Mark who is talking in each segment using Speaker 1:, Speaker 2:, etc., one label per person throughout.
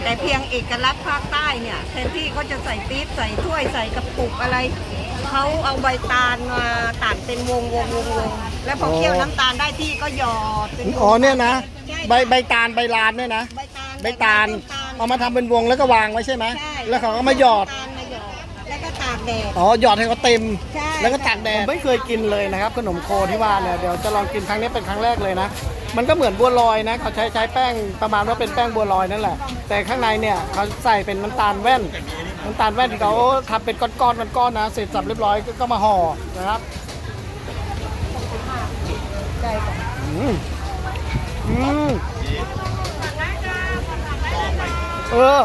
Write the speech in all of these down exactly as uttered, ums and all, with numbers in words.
Speaker 1: แต่เพียงเอกลักษณ์ภาคใต้เนี่ยแทนที่เขาจะใส่ปี๊บใส่ถ้วยใส่กระปุกอะไรเขาเอาใบตาลมาตัดเป็นวงวงวงวงแล้วพอเคี่ยวน้ำตาลได้ที่ก็หยอดเป็นวง
Speaker 2: อ๋อเนี่ยนะ
Speaker 1: ใช่
Speaker 2: ใบใบตาลใบลานเนี่ยนะ
Speaker 1: ใบตาล
Speaker 2: ใบตาลเอามาทำเป็นวงแล้วก็วางไว้ใช่ไหม
Speaker 1: ใช่
Speaker 2: แล้วเขาก็มาหยอด
Speaker 1: ใบตาลมาหยอดแล้วก็ตากแดด
Speaker 2: อ๋อหยอดให้เขาเต็ม
Speaker 1: ใช่
Speaker 2: แล้วก็ตากแดดไม่เคยกินเลยนะครับขนมโคที่ว่าเนี่ยเดี๋ยวจะลองกินครั้งนี้เป็นครั้งแรกเลยนะมันก็เหมือนบัวลอยนะเขาใช้ใช้แป้งประมาณว่าเป็นแป้งบัวลอยนั่นแหละแต่ข้างในเนี่ยเขาใส่เป็นน้ำตาลแว่นน้ำตาลแว่นที่เขาทำเป็นก้อนๆก้อนๆนะเสร็จสับเรียบร้อยก็มาห่อนะครับ
Speaker 1: ใช่ค่ะ
Speaker 2: อืมอืมเออ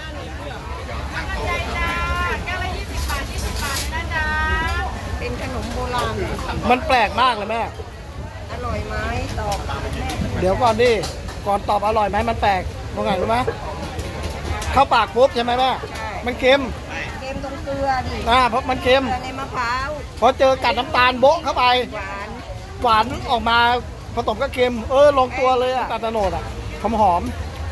Speaker 1: เป็นขนมโบราณ
Speaker 2: มันแปลกมากเลยแม่
Speaker 1: อร่อยไหมตอบแม่
Speaker 2: เดี๋ยวก่อนดิ ก่อนตอบอร่อยไหมมันแปลกตรงไหนรู้ไหมเข้าปากปุ๊บใช่ไหมแม่ มันเค็ม
Speaker 1: เค็มตรงเกลือดิ
Speaker 2: อ่าเพราะมันเค็ม
Speaker 1: เกลือในมะพร้าว
Speaker 2: พอเจอกัดน้ำตาลโบ๊ะเข้าไป
Speaker 1: หวาน
Speaker 2: หวานออกมาผสมกับเค็ม เออลงตัวเลยอะตาลตะโนดอะหอมหอม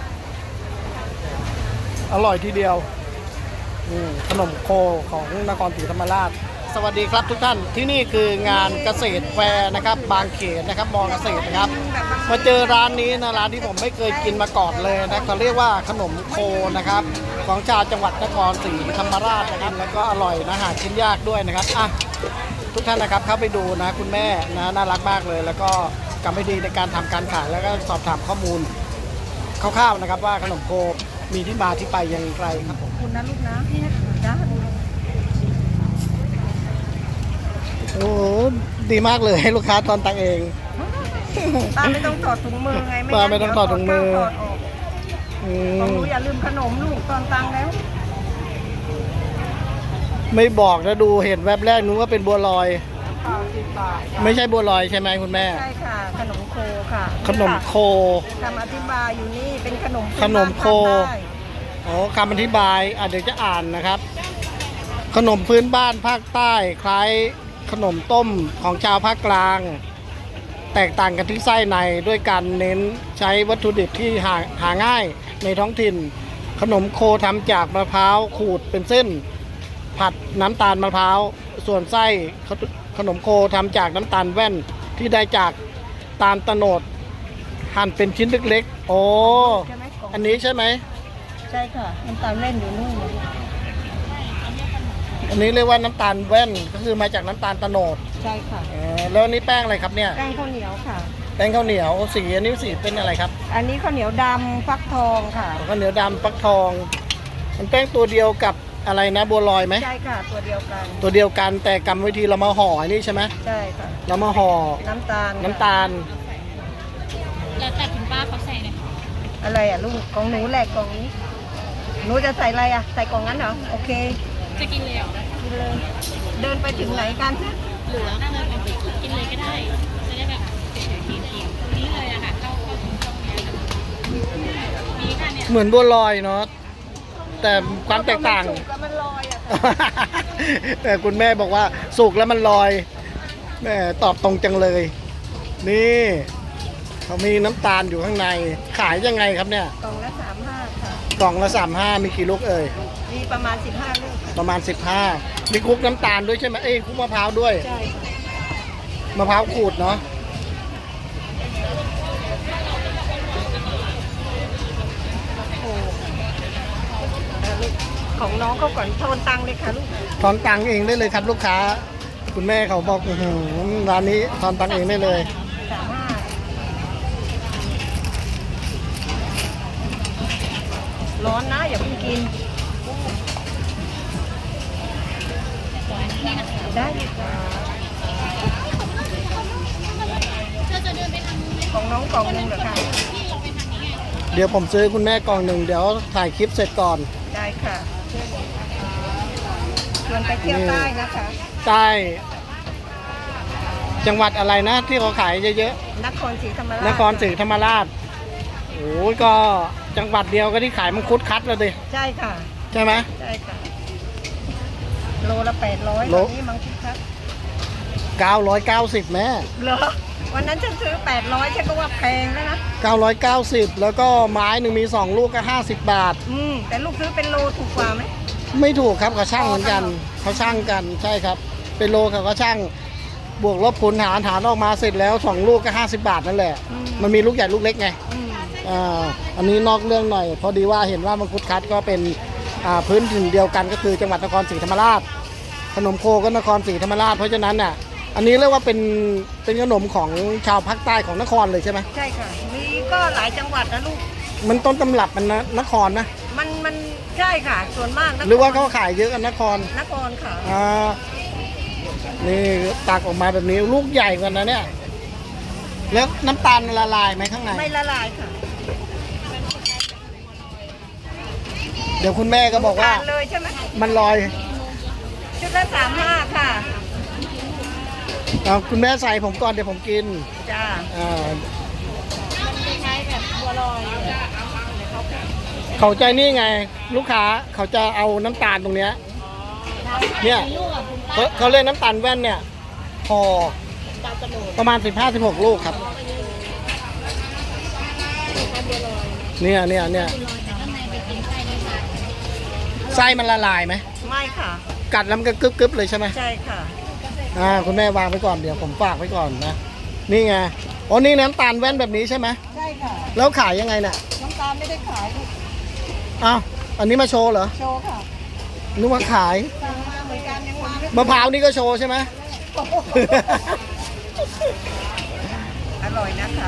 Speaker 2: ๆอร่อยทีเดียวอืมขนมโคของนครศรีธรรมราช สวัสดีครับทุกท่านที่นี่คืองานเกษตรแฟร์นะครับ บางเขนนะครับมอเกษตรนะครับ มาเจอร้านนี้นะร้านที่ผมไม่เคยกินมาก่อนเลยนะเขาเรียกว่าขนมโคนะครับของชาวจังหวัดนครศรีธรรมราชนะครับแล้วก็อร่อยนะหาชิ้นยากด้วยนะครับอ่ะทุกท่านนะครับเข้าไปดูนะคุณแม่นะน่ารักมากเลย แล้วก็กำลังดีในการทำการขายแล้วก็สอบถามข้อมูลคร่าวๆนะครับว่าขนมโคมีที่มาที่ไปอย่างไรครับผม
Speaker 1: คุณนะลูกนะนี่นะจ้า
Speaker 2: โอ้โหดีมากเลยให้ลูกค้าตอนตังเอง
Speaker 1: ป้าไม่ต้องถอดถุงมือไง
Speaker 2: ป้าไม่ต้องถอดถุงมือ
Speaker 1: ถอดออก
Speaker 2: อื
Speaker 1: ของ
Speaker 2: ม
Speaker 1: หนูอย่าลืมขนมลูกตอนตังแล้ว
Speaker 2: ไม่บอกนะดูเห็นแวบแรกนึกว่าเป็นบัวลอย
Speaker 1: เปล่าสิบบาท
Speaker 2: ไม่ใช่บัวลอยใช่ไหมคุณแม่
Speaker 1: ใช่ค่ะ ขนมโคค่ะ
Speaker 2: ขนมโค
Speaker 1: คำอธิบายอยู่นี่เป็นขนม
Speaker 2: ขนมโค
Speaker 1: พื้นบ้านภาคใต้
Speaker 2: อ๋อคำอธิบายอ่ะเดี๋ยวจะอ่านนะครับ ขนมพื้นบ้านภาคใต้คล้ายขนมต้มของชาวภาคกลาง แตกต่างกันที่ไส้ในด้วยการเน้นใช้วัตถุดิบที่หาหาง่ายในท้องถิ่น ขนมโคทำจากมะพร้าวขูดเป็นเส้น ผัดน้ำตาลมะพร้าวส่วนไส้ขนขนมโคทำจากน้ำตาลแว่นที่ได้จากตาลตะโนดหั่นเป็นชิ้นเล็กๆโอ้
Speaker 1: ใช่ไหมกล่อง
Speaker 2: อันนี้ใช่ไหม
Speaker 1: ใช่ค่ะน้ำตาลเล่นอยู่นู่น
Speaker 2: อันนี้เรียกว่าน้ำตาลแว่นก็คือมาจากน้ำตาลตะโนด
Speaker 1: ใช่ค่ะ
Speaker 2: เออแล้วอันนี้แป้งอะไรครับเนี่ย
Speaker 1: แป้งข้าวเหนียวค่ะ
Speaker 2: แป้งข้าวเหนียวสีอันนี้สีเป็นอะไรครับ
Speaker 1: อันนี้ข้าวเหนียวดำฟักทองค่ะ
Speaker 2: ข้าวเหนียวดำฟักทอง มันแป้งตัวเดียวกับอะไรนะบัวลอยไหม
Speaker 1: ใช่ค่ะตัวเดียวกัน
Speaker 2: ตัวเดียวกันแต่กรรมวิธีเรามาห่ออันนี้ใช่ไหม
Speaker 1: ใช่ค่ะ
Speaker 2: เรามาห่อ
Speaker 1: น้ำตาล
Speaker 2: น้ำตาล
Speaker 3: แล้วแต่คุณป้าเขาใส่เลยค่ะ
Speaker 1: อะไรอ่ะลูกของหนูแหลกกล่องนี้หนูจะใส่อะไรอ่ะใส่กล่องนั้นเหรอโอเค
Speaker 3: จะกินเลยเหรอ
Speaker 1: กินเลยเดินไปถึงไหนกัน
Speaker 3: หรือว่าเดินไปกินเลยก็ได้ จะได้แบบเฉยๆกินๆนี่เลยอะค่ะเข้าเข้าถึงตรงเนี้ยค่ะมีค่ะเนี่ย
Speaker 2: เหมือนบัวลอยเนาะแต่ความแตกต่าง
Speaker 1: สุกแล้วมันลอยอ่ะ
Speaker 2: แต่คุณแม่บอกว่าสุกแล้วมันลอยแม่ตอบตรงจังเลย นี่เขามีน้ำตาลอยู่ข้างใน ขายยังไงครับเนี่ย
Speaker 1: กล่องละสามห้าค่ะ
Speaker 2: กล่องละสามห้ามีกี่ลูกเอ่ย
Speaker 1: มีประมาณสิบห้าลูก
Speaker 2: ประมาณสิบห้ามีคลุกน้ำตาลด้วยใช่ไหมเอ้ยคลุกมะพร้าวด้วย
Speaker 1: ใช่ค่ะ
Speaker 2: มะพร้าวขูดเนาะ
Speaker 1: โอ้เอาลูกของน้องเขาก่อนโทนตังค์เลยค่ะลูก
Speaker 2: ทอนตังค์เองได้เลยครับลูกค้า คุณแม่เขาบอกอื้อหือร้านนี้ทอนตังค์เองได้เลย
Speaker 1: สามห้าร้อนนะอย่าเพิ่งกิน ได้ค่ะ
Speaker 3: เธอจะเดินไปทางนู้นไหม
Speaker 1: ของน้องกล่องหนึงเหรอคะ
Speaker 3: พี่เราไปทางนี้ไง
Speaker 2: เดี๋ยวผมซื้อคุณแม่กล่องหนึ่งเดี๋ยวถ่ายคลิปเสร็จก่อน
Speaker 1: ได้ค่ะชวนไปเที่ยวใต้นะคะ
Speaker 2: ใต้ จังหวัดอะไรนะ ที่เขาขายเยอะ
Speaker 1: นครศรีธรรมราช
Speaker 2: ๆ นครศรีธรรมราช โอ้ยก็จังหวัดเดียวก็ที่ขายมังคุดคัดเลยดิ
Speaker 1: ใช่ค่ะ
Speaker 2: ใช่ไหม
Speaker 1: ใช่ค่ะ โลละแปดร้อย
Speaker 2: โล
Speaker 1: ตอนนี้มังคุดครับ
Speaker 2: เก้าร้อยเก้าสิบแม่
Speaker 1: เหรอวันนั้นฉันซื้อแปดร้อยฉันก็ว่าแพงแล้วนะ
Speaker 2: เก้าร้อยเก้าสิบแล้วก็ไม้หนึ่งมีสองลูกก็ห้าสิบบาท
Speaker 1: อืมแต่ลูกซื้อเป็นโลถูกกว่าไหม
Speaker 2: ไม่ถูกครับเขาช่างเหมือนกันเขาช่างกันใช่ครับเป็นโลเขาก็ช่างบวกลบคูณหารหารออกมาเสร็จแล้วสองลูกก็ห้าสิบบาทนั่นแหละมันมีลูกใหญ่ลูกเล็กไง
Speaker 1: อืม
Speaker 2: อ่าอันนี้นอกเรื่องหน่อย พอดีว่าเห็นว่ามังคุดคัดก็เป็นอ่าพื้นถิ่นเดียวกันก็คือจังหวัดนครศรีธรรมราชขนมโคก็นครศรีธรรมราชเพราะฉะนั้นน่ะอันนี้เรียกว่าเป็นเป็นขนมของชาวภาคใต้ของนครเลยใช่ไหม
Speaker 1: ใช่ค่ะมีก็หลายจังหวัดนะลูก
Speaker 2: มันต้นตำรับมันนะนครนะ
Speaker 1: มันมันใช่ค่ะส่วนมากนค
Speaker 2: หรือว่าเขาขายเยอะกันนคร
Speaker 1: นครค่ะ
Speaker 2: อ่านี่ตักออกมาแบบนี้ลูกใหญ่กว่านะเนี่ยแล้วน้ำตาลละลายไหมข้างใน
Speaker 1: ไม่ละลายค่ะ
Speaker 2: เดี๋ยวคุณแม่ก็บอกว่า
Speaker 1: ทานเลยใช่ไหม
Speaker 2: มันลอย
Speaker 1: ชุดละสามห้าค่ะ
Speaker 2: เอาคุณแม่ใส่ผมก่อนเดี๋ยวผมกิน
Speaker 1: จ้า
Speaker 2: อ่า
Speaker 3: คล้ายๆแบบบัวลอย
Speaker 2: เขาใจนี่ไง ลูกค้าเขาจะเอาน้ำตาลตรงเนี้ยเนี่ย
Speaker 3: ลูกอ่ะคุณ
Speaker 2: เขาเขาเรียกน้ำตาลแว่นเนี่ยพอ
Speaker 3: ดาวกระโดด
Speaker 2: ประมาณสิบห้าสิบหกลูกครับ เนี่ยเนี่ยเนี่ย
Speaker 3: แต่ข้างในไปกินไส้ได้ไหม
Speaker 2: ไส้มันละลายไหม
Speaker 1: ไม่ค่ะ
Speaker 2: กัดแล้วมันก็กึบกึบเลยใช่ไหม
Speaker 1: ใช่ค่ะ
Speaker 2: อ่าคุณแม่วางไว้ก่อนเดี๋ยวผมฝากไว้ก่อนนะนี่ไงอ๋อนี่น้ำตาลแว่นแบบนี้ใช่ไหม
Speaker 1: ใช่ค่ะ
Speaker 2: แล้วขายยังไงเนี่ย
Speaker 1: น้ำตาลไม่ได้ขายลูก
Speaker 2: อ้าวอันนี้มาโชว์เหรอ
Speaker 1: โชว์ค่ะ
Speaker 2: นึกว่าขาย
Speaker 1: สั่งมาเหมือนกันยังมาไม่
Speaker 2: มะพร้าวนี่ก็โชว์ใช่ไหม
Speaker 1: อร่อยนะคะ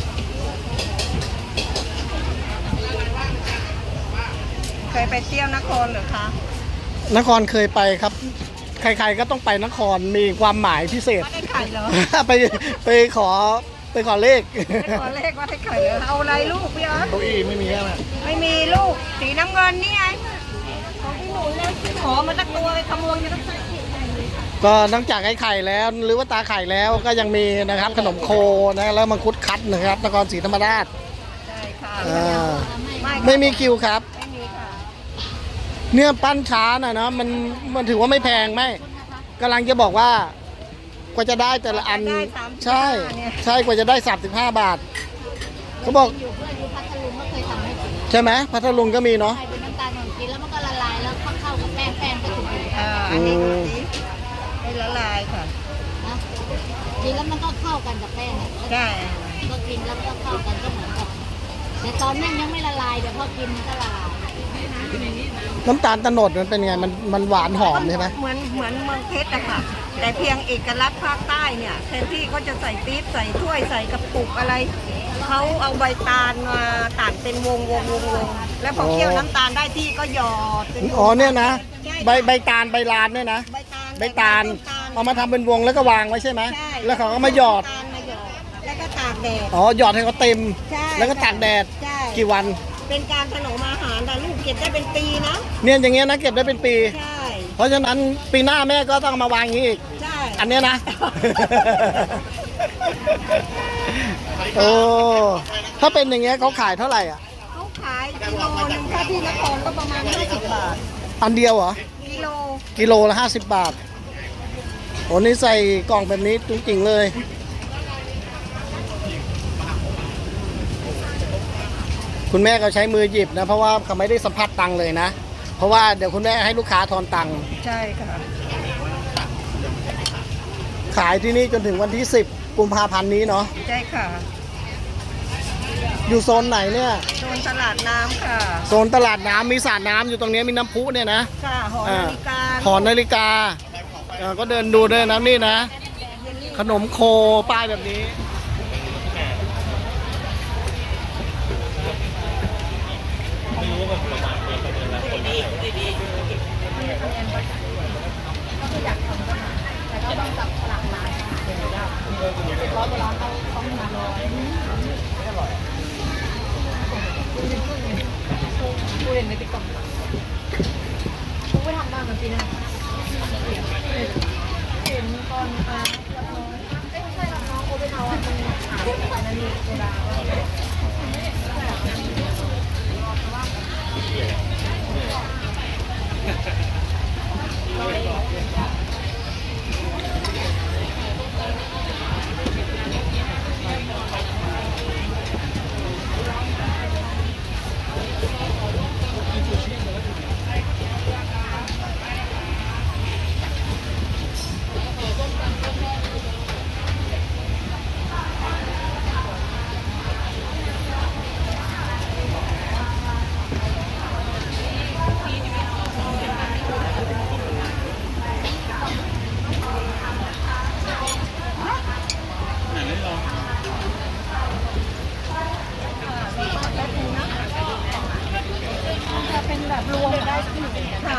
Speaker 1: เคยไปเที่ยวนครเหรือคะ
Speaker 2: นครเคยไปครับ ใครๆก็ต้องไปนครมีความหมายพิเศษ
Speaker 1: ว่าได้ไข่เหรอ
Speaker 2: ไปไปขอไปขอเลข
Speaker 1: ได้ขอเลขว่าได้ไข่เหรอเอาอะไรลูกพี่ออส
Speaker 2: เก้าอี้ไม่มีใช่ไหม
Speaker 1: ไม่มีลูกสีน้ำเงินนี่ไงของพี่หนูเลยขอมาสักตัวไปขโมยกันสักตัว
Speaker 2: ก็นอกจากไอ้ไข่แล้วหรือว่าตาไข่แล้วก็ยังมีนะครับขนมโคนะแล้วมังคุดคัดนะครับนครศรีธรรมราช
Speaker 1: ใช่ค่ะ
Speaker 2: อ่า
Speaker 1: ไม่
Speaker 2: ไม่มีคิวครับ
Speaker 1: ไม่มีค่ะ
Speaker 2: เนี่ยปั้นช้าน่ะเนาะมันมันถือว่าไม่แพงไหมกำลังจะบอกว่ากว่าจะได้แต่ละอัน
Speaker 1: ได้สามสิบห้า
Speaker 2: ใช่
Speaker 1: เนี่ย
Speaker 2: ใช่กว่าจะได้สามสิบห้าบาทเขาบอก
Speaker 3: อยู่เพื่อนอยู่พัทลุงก็เคยทำให้กิน
Speaker 2: ใช่ไหมพัทลุงก็มีเนาะ
Speaker 3: ใส่เป็นน้ำตาลของกินแล้วมันก็ละลายแล้วเข้ากับแป้งแป้งก็ถูกอยู่
Speaker 1: อ่าอันนี้ดูสิไม่ละลายค่ะ
Speaker 3: นะกินแล้วมันก็เข้ากันกับแป้งอ่ะ
Speaker 1: ใช่
Speaker 3: ก็กินแล้วก็เข้ากันก็เหมือนกับแต่ตอนนั้นยังไม่ละลายเดี๋ยวพอกินมันก็ละลาย
Speaker 2: น้ำตาลตะโนดมันเป็นไงมันมันหวานหอมใช่ไหม
Speaker 1: เหมือนเหมือนเมืองเพชรอะค่ะ แต่เพียงเอกลักษณ์ภาคใต้เนี่ยแทนที่เขาจะใส่ปี๊บใส่ถ้วยใส่กระปุกอะไรเขาเอาใบตาลมาตัดเป็นวงวงวงวงแล้วพอเคี่ยวน้ำตาลได้ที่ก็หยอดเป็นวง
Speaker 2: อ๋อเนี่ยนะ
Speaker 1: ใช่
Speaker 2: ใบใบตาลใบลานเนี่ยนะ
Speaker 1: ใบตาล
Speaker 2: ใบตาล
Speaker 1: ต้นตาล
Speaker 2: เอามาทำเป็นวงแล้วก็วางไว้ใช่ไหม
Speaker 1: ใช่
Speaker 2: แล้วเขาก็มาหยอด
Speaker 1: ตาลมาหยอดแล้วก็ตากแดด
Speaker 2: อ๋อหยอดให้เขาเต็ม
Speaker 1: ใช่
Speaker 2: แล้วก็ตากแดด
Speaker 1: ใช่
Speaker 2: กี่วัน
Speaker 1: เป็นการถนอมอาหารแต่ลูกเก็บได้เป็นปีนะ
Speaker 2: เนี่ยอย่างเงี้ยนะเก็บได้เป็นปี
Speaker 1: ใช่
Speaker 2: เพราะฉะนั้นปีหน้าแม่ก็ต้องเอามาวางอย่างนี้อีก
Speaker 1: ใช่
Speaker 2: อันเนี้ยนะ โอ้ถ้าเป็นอย่างเงี้ยเขาขายเท่าไหร่อ่ะ
Speaker 1: เขาขายกิโลหนึงถ้าที่นครก็ประมาณห้าสิบบาท
Speaker 2: อันเดียวเหรอ
Speaker 1: กิโล
Speaker 2: กิโลละห้าสิบบาทโอ้นี่ใส่กล่องแบบนี้จริงๆเลย คุณแม่ก็ใช้มือหยิบนะ เพราะว่าเขาไม่ได้สัมผัสตังค์เลยนะ เพราะว่าเดี๋ยวคุณแม่ให้ลูกค้าทอนตังค์
Speaker 1: ใช่ค่ะ
Speaker 2: ขายที่นี่จนถึงวันที่สิบกุมภาพันธ์นี้เนาะ
Speaker 1: ใช่ค่ะ
Speaker 2: อยู่โซนไหนเนี่ย
Speaker 1: โซนตลาดน้ำค่ะ
Speaker 2: โซนตลาดน้ำมีสระน้ำอยู่ตรงนี้มีน้ำพุเนี่ยนะ
Speaker 1: ค่ะหอนาฬิกา
Speaker 2: หอนาฬิกาเอ่อก็เดินดูด้วยนะนี่นะ ขนมโคป้ายแบบนี้
Speaker 3: กูเห็นในติ๊กต็อกกูไปทำบ้านมันปีหน้าเห็นตอนอ่ารับน้องเอ้ยไม่ใช่รับน้องโอเปนเอาอ่ะมันหายไปนั่นนี่โซดา
Speaker 1: แบบรวมได้ค่ะ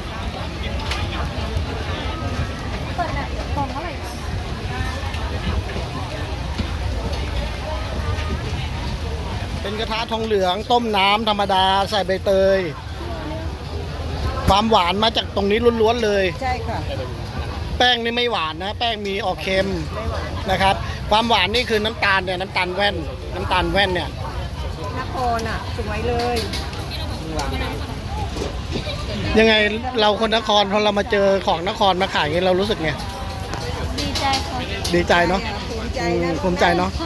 Speaker 2: เป็นกระทะทองเหลืองต้มน้ำธรรมดาใส่ใบเตย ความหวานมาจากตรงนี้ล้วนๆเลย
Speaker 1: ใช่ค่ะ
Speaker 2: แป้งนี่ไม่หวานนะ แป้งมีออกเค็มนะครับ ความหวานนี่คือน้ำตาลเนี่ยน้ำตาลแว่น น้ำตาลแว่นเนี่ย
Speaker 1: นครอ่ะสวยเลย
Speaker 2: ยังไงเราคนนครพอเรามาเจอของนครมาขายอย่างนี้เรารู้สึกไง
Speaker 3: ดีใจค่ะ
Speaker 2: ดีใจเนาะ
Speaker 1: ภูมิใจ
Speaker 2: อืม
Speaker 1: นะ
Speaker 2: ภูมิใจเนาะ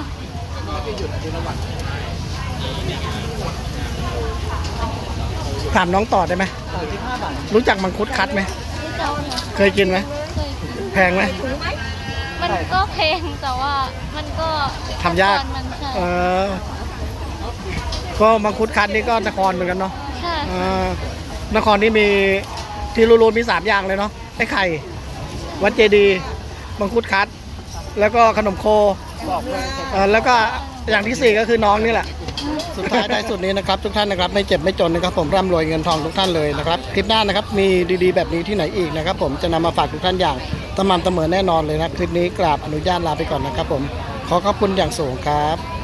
Speaker 2: ถามน้องต่อได้ไหมรู้จักมังคุดคัดไหม
Speaker 3: ดีใจค่ะ
Speaker 2: เคยกินไหม
Speaker 3: เคย
Speaker 2: แพงไหม
Speaker 1: ถูกไหม
Speaker 3: มันก็เพลงแต่ว่ามันก็
Speaker 2: ทำยาก
Speaker 3: ขั้นตอนมันใช่
Speaker 2: เออก็มังคุดคัดนี่ก็นครเหมือนกันเนาะ
Speaker 3: ใช่
Speaker 2: เออนครนี่มีที่รู้ๆมีสามอย่างเลยเนาะไอ้ไข่ วัดเจดีย์มังคุดคัด แล้วก็ขนมโคเออแล้วก็อย่างที่สี่ก็คือน้องนี่แหละ สุดท้ายท้ายสุดนี้นะครับทุกท่านนะครับไม่เจ็บไม่จนนะครับผมร่ำรวยเงินทองทุกท่านเลยนะครับคลิปหน้านะครับมีดีๆแบบนี้ที่ไหนอีกนะครับผมจะนำมาฝากทุกท่านอย่างสม่ำเสมอแน่นอนเลยนะคลิปนี้กราบอนุญาตลาไปก่อนนะครับผมขอขอบคุณอย่างสูงครับ